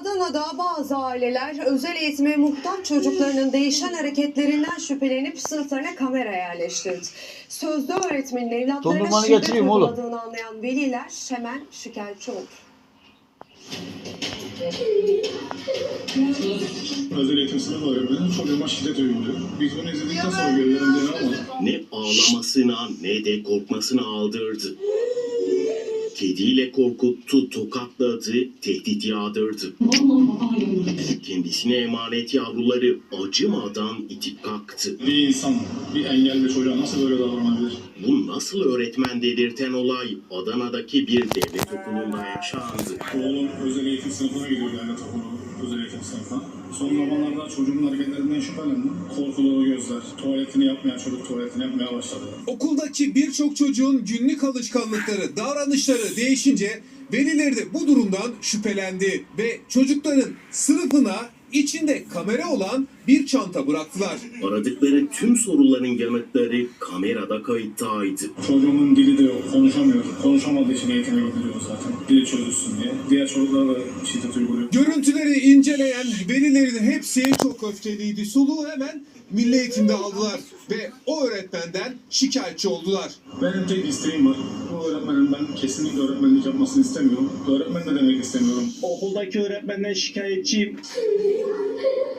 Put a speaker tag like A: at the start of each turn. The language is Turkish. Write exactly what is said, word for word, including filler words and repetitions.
A: Adana'da bazı aileler özel eğitime muhtaç çocuklarının değişen hareketlerinden şüphelenip sınıflarına kamera yerleştirdi. Sözde öğretmenin evlatlarına
B: Dondurmanı
A: şiddet
B: getireyim oğlum.
A: uyguladığını anlayan veliler hemen şikayetçi oldu.
C: Özel eğitim sınıf öğretmeni çocuğuma şiddet uyguluyor. Biz bunu izledikten sonra gönüllerinde ne olmadı?
D: Ne ağlamasına ne de korkmasına aldırdı. Kediyle korkuttu, tokatladı, tehdit yağdırdı. Kendisine emanet yavruları acımadan itip kalktı.
C: Bir insan bir engelli çocuğa nasıl böyle davranabilir?
D: Bu nasıl öğretmen dedirten olay Adana'daki bir devlet okulunda yaşandı.
C: Oğlum özel eğitim sınıfına gidiyor devlet okulu, özel eğitim sınıfına. Son zamanlarda çocuğun hareketlerinden şüphelendim. Korkulu gözler, tuvaletini yapmayan çocuk tuvaletini yapmaya başladı.
E: Okuldaki birçok çocuğun günlük alışkanlıkları, davranışları değişince velileri de bu durumdan şüphelendi ve çocukların sınıfına içinde kamera olan bir çanta bıraktılar.
D: Aradıkları tüm soruların yanıtları kamerada kayıttaydı.
C: Çocuğumun dili de yok, konuşamıyor. Konuşamadığı için eğitime gidiliyor zaten. Dili çözülsün diye. Diğer çocuklara da şiddet uyguluyor.
E: Görüntüleri inceleyen velilerin hepsi çok öfkeliydi. Soluğu hemen Milli Eğitim'de aldılar ve o öğretmenden şikayetçi oldular.
C: Benim tek isteğim var. Bu öğretmenin ben kesinlikle öğretmenlik yapmasını istemiyorum. Öğretmen de demek istemiyorum.
F: Okuldaki öğretmenden şikayetçiyim.